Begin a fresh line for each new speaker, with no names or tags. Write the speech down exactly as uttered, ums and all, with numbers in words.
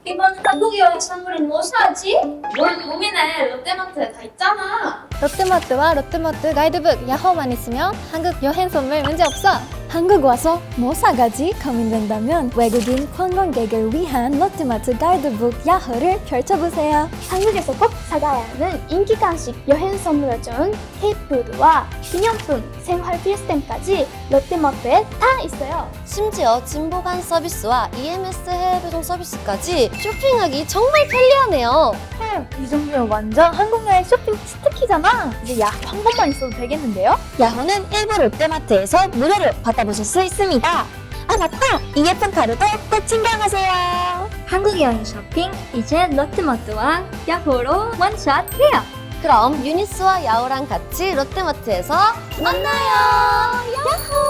이번 한국 여행 선물은 뭐 사지? 뭘 고민해? 롯데마트에 다 있잖아.
롯데마트와 롯데마트 가이드북 야호만 있으면 한국 여행 선물 문제 없어. 한국 와서 뭐 사가지 고민된다면 외국인 관광객을 위한 롯데마트 가이드북 야호를 펼쳐보세요.
한국에서 꼭 사가야 하는 인기 간식 여행 선물을 준 케이푸드와 기념품, 생활 필수템까지 롯데마트에 다 있어요.
심지어 진보관 서비스와 이엠에스 해외 배송 서비스까지 쇼핑하기 정말 편리하네요.
이 정도면 완전 한국 여행 쇼핑 치트키잖아. 이제 야호 한 번만 있어도 되겠는데요?
야호는 일부 롯데마트에서 무료로 받아보실 수 있습니다. 아 맞다! 이 예쁜 가루도 꼭 챙겨가세요.
한국 여행 쇼핑 이제 롯데마트와 야호로 원샷 해요.
그럼 유니스와 야호랑 같이 롯데마트에서 만나요. 야호!